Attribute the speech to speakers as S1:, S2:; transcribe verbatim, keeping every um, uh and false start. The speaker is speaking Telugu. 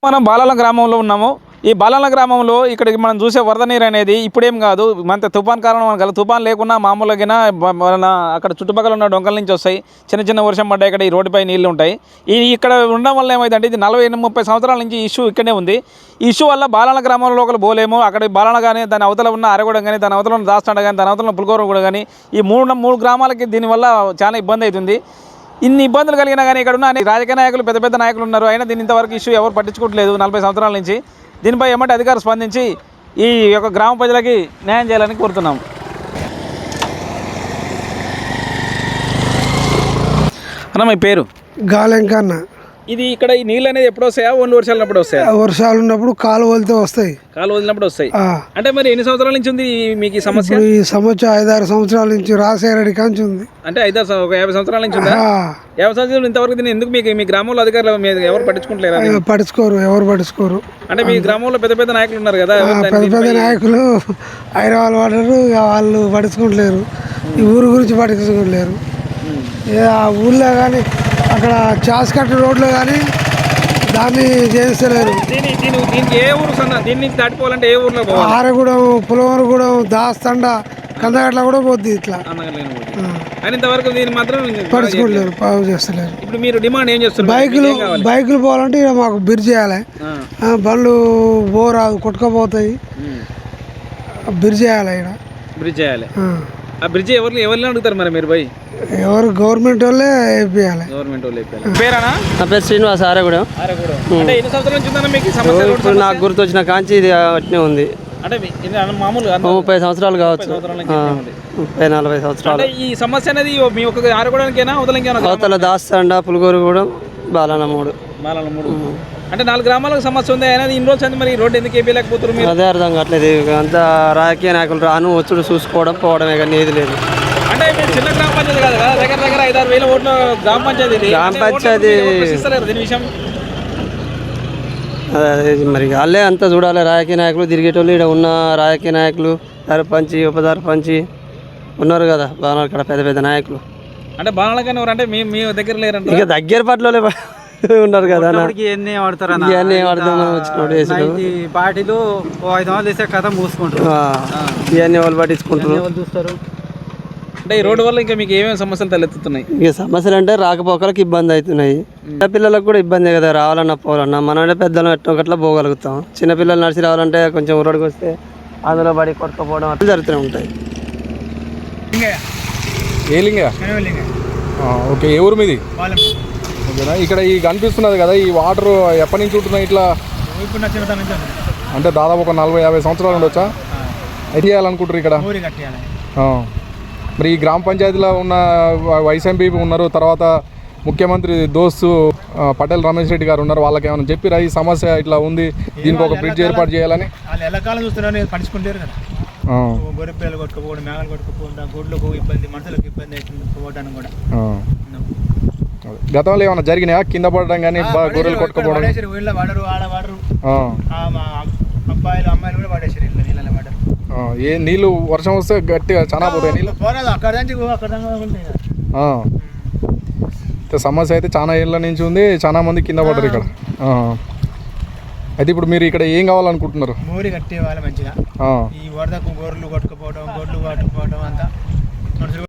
S1: మనం బాలాల గ్రామంలో ఉన్నాము. ఈ బాలాల గ్రామంలో ఇక్కడికి మనం చూసే వరద నీరు అనేది ఇప్పుడేం కాదు, మన తుఫాన్ కారణం కల తుఫాన్ లేకున్నా మామూలుగా మన అక్కడ చుట్టుపక్కల ఉన్న డొంకల నుంచి వస్తాయి. చిన్న చిన్న వర్షం పడ్డాయి, ఇక్కడ ఈ రోడ్డుపై నీళ్లు ఉంటాయి. ఈ ఇక్కడ ఉండడం వల్ల ఏమైందంటే ఇది నలభై ముప్పై సంవత్సరాల నుంచి ఇష్యూ ఇక్కడనే ఉంది. ఈ ఇష్యూ వల్ల బాలాల గ్రామంలో ఒకరు పోలేము. అక్కడ బాలాల కానీ దాని అవతల ఉన్న అరగూడ కానీ దాని అవతల ఉన్న దాస్తాండ కానీ దాని అవతల ఉన్న పులిగోర కూడా కానీ ఈ మూడు మూడు గ్రామాలకి దీనివల్ల చాలా ఇబ్బంది అవుతుంది. ఇన్ని ఇబ్బందులు కలిగినా కానీ ఇక్కడ ఉన్న రాజకీయ నాయకులు పెద్ద పెద్ద నాయకులు ఉన్నారు, అయినా దీని ఇంతవరకు ఇష్యూ ఎవరు పట్టించుకోవట్లేదు నలభై సంవత్సరాల నుంచి. దీనిపై ఏమంటే అధికారులు స్పందించి ఈ యొక్క గ్రామ ప్రజలకి న్యాయం చేయాలని కోరుతున్నాం. అన్న మీ పేరు?
S2: గాలెంకన్న.
S1: ఇది ఇక్కడ ఈ నీళ్ళు అనేది ఎప్పుడు వస్తాయా? ఓన్లీ వర్షాలు ఉన్నప్పుడు వస్తాయా?
S2: వర్షాలు ఉన్నప్పుడు కాలు వదిలితే వస్తాయి.
S1: కాలు వదిలినప్పుడు వస్తాయి. అంటే మరి ఎన్ని సంవత్సరాల నుంచి ఉంది మీకు ఈ సమస్య?
S2: ఈ సమస్య ఐదారు సంవత్సరాల నుంచి రాసేరెడ్డి కాంచి ఉంది.
S1: అంటే ఐదారు ఒక యాభై సంవత్సరాల నుంచి ఉందా? యాభై సంవత్సరాలు ఇంతవరకు దీన్ని ఎందుకు మీకు మీ గ్రామంలో అధికారులు మీద ఎవరు పట్టించుకుంటలేరు?
S2: పట్టించుకోరు, ఎవరు పట్టించుకోరు.
S1: అంటే మీ గ్రామంలో పెద్ద పెద్ద నాయకులు ఉన్నారు కదా,
S2: పెద్ద పెద్ద నాయకులు హైదరాబాద్ పడ్డారు, వాళ్ళు పట్టించుకుంటలేరు. ఈ ఊరు గురించి పట్టించుకోలేరు. ఆ ఊళ్ళో కానీ అక్కడ చాస్కట్ రోడ్లో కానీ దాన్ని చేస్తలేరు.
S1: దీనికి ఏ ఊరు సన్న దీని నుంచి దాటిపోవాలంటే ఏ ఊర్లో పోవాలి?
S2: ఆరగూడెం, పులవరగూడెం, దాస్తండ, కందగట్ల కూడా పోద్ది. ఇట్లా
S1: ఇంతవరకు దీన్ని మాత్రం
S2: పడుచుకోలేరు, బాగు చేస్తలేరు.
S1: ఇప్పుడు మీరు డిమాండ్ ఏం చేస్తారు?
S2: బైకులు బైకులు పోవాలంటే ఇక మాకు బ్రిడ్జ్ చేయాలి. బండ్లు బోరాదు కొట్టుకపోతాయి, బ్రిడ్జ్ చేయాలి. ఇక్కడ బ్రిడ్జ్ చేయాలి. ఆ బ్రిడ్జ్ ఎవరు ఎవరిని అడుగుతారు మరి మీరు? పోయి ఎవరు గవర్నమెంట్ వాళ్ళే వేయాలి.
S1: గవర్నమెంట్ వాళ్ళే వేయాలి. పేరేనా?
S3: నా పేరు శ్రీనివాస్. ఆరగూడెం.
S1: అంటే ఎన్ని సంవత్సరాల నుంచి ఉందన్న మీకు సమస్య?
S3: ఇప్పుడు నాకు గుర్తు వచ్చిన కాంచి ఇది అట్నే ఉంది.
S1: అంటే మామూలుగా
S3: ముప్పై సంవత్సరాలు కావచ్చు, ముప్పై నలభై సంవత్సరాలు.
S1: ఈ సమస్య అనేది మీ ఒక ఆరగూడెంకేనా అవతలకేనా?
S3: అవతల దాస్తండ, పులిగోరగూడెం, బాలాన మూడు.
S1: బాలాన మూడు అంటే నాలుగు గ్రామాలకు సమస్య ఉంది. అనేది ఇన్ని రోజులు మరి రోడ్డు ఎందుకు వేయలేకపోతున్నారు?
S3: అదే అర్థం కావట్లేదు. అంతా రాజకీయ నాయకులు రాను వచ్చుడు చూసుకోవడం పోవడమే కానీ ఏది లేదు.
S1: అంటే మీరు చిన్న గ్రామ పంచాయతీ కాదు కదా, దగ్గర దగ్గర ఐదారు వేల ఓట్ల గ్రామ పంచాయతీ.
S3: గ్రామ పంచాయతీ
S1: దీని విషయం
S3: అదే మరి వాళ్ళే అంతా చూడాలి. రాజకీయ నాయకులు తిరిగేటోళ్ళు ఇక్కడ ఉన్న రాజకీయ నాయకులు, సర్పంచి, ఉప సర్పంచి ఉన్నారు కదా బాణాలు ఇక్కడ పెద్ద పెద్ద నాయకులు.
S1: అంటే బాణాల కానీ ఎవరు అంటే మీ మీ దగ్గర లేరంటే
S3: ఇక దగ్గర పట్ల ఉన్నారు కదా.
S4: ఇవన్నీ వాడతారు,
S3: ఇవన్నీ వాడతాం మనం వచ్చినప్పుడు
S4: పార్టీలు ఐదు వందలు తీసే కథ మూసుకుంటారు.
S3: ఇవన్నీ వాళ్ళు పట్టించుకుంటారు,
S4: చూస్తారు.
S1: అంటే ఈ రోడ్డు వల్ల ఇంకా మీకు ఏమేమి సమస్యలు తలెత్తుతున్నాయి?
S3: ఇక సమస్యలు అంటే రాకపోకలకు ఇబ్బంది అవుతున్నాయి. చిన్నపిల్లలకు కూడా ఇబ్బంది కదా, రావాలన్నా పోవాలన్నా. మనం పెద్దలు ఎట్టొకట్లా పోగలుగుతాం. చిన్నపిల్లలు నడిచి రావాలంటే కొంచెం రోడ్డుకి వస్తే అందులో పడి కొట్టుకుపోవడం అట్లా జరుగుతూనే ఉంటాయి.
S5: ఏ లింగ? ఓకే, ఏ ఊరు మీది? ఓకేనా. ఇక్కడ ఈ కనిపిస్తున్నది కదా, ఈ వాటర్ ఎప్పటి నుంచి ఉంటున్నాయి ఇట్లా? అంటే దాదాపు ఒక నలభై యాభై సంవత్సరాలు ఉండొచ్చా? ఎట్ చేయాలనుకుంటారు ఇక్కడ? మరి ఈ గ్రామ పంచాయతీలో ఉన్న వైస్ ఎంపీ ఉన్నారు, తర్వాత ముఖ్యమంత్రి దోస్తు పటేల్ రమేష్ రెడ్డి గారు ఉన్నారు. వాళ్ళకి ఏమైనా చెప్పిరా ఈ సమస్య ఇట్లా ఉంది, దీనికి ఒక బ్రిడ్జ్ ఏర్పాటు చేయాలని?
S6: వాళ్ళు ఎల్లకాలం చూస్తున్నారు, పట్టించుకుంటారు కదా. గొర్రెపిల్లలు కొట్టుకుపోవడం, మేఘాలు కొట్టుకుపోవడం, గొడ్లకు ఇబ్బంది, మనుషులకు ఇబ్బంది అవుతుంది పోవడానికి కూడా.
S5: గతంలో ఏమైనా జరిగినాయా కింద పడడం కానీ, గొర్రెలు కొట్టుకుపోవడం?
S6: వీళ్ళ వాడరు, ఆడ వాడరు, అబ్బాయిలు అమ్మాయిలు కూడా పడేసారు ఇళ్ళ నీళ్ళ వాడరు.
S5: ఏ నీళ్ళు వర్షం వస్తే గట్టిగా చాలా పోతాయి నీళ్ళు.
S6: పోరాదు అక్కడ నుంచి అక్కడ
S5: సమస్య అయితే చాలా ఏళ్ళ నుంచి ఉంది, చాలా మంది కింద పడ్డారు ఇక్కడ. అయితే ఇప్పుడు మీరు ఇక్కడ ఏం కావాలనుకుంటున్నారు?
S6: మోరి కట్టే వాళ్ళు మంచిగా. ఈ వరదకు గొర్రెలు కొట్టుకుపోవడం, గొడ్లు కొట్టుకుపోవడం అంతా మనుషులు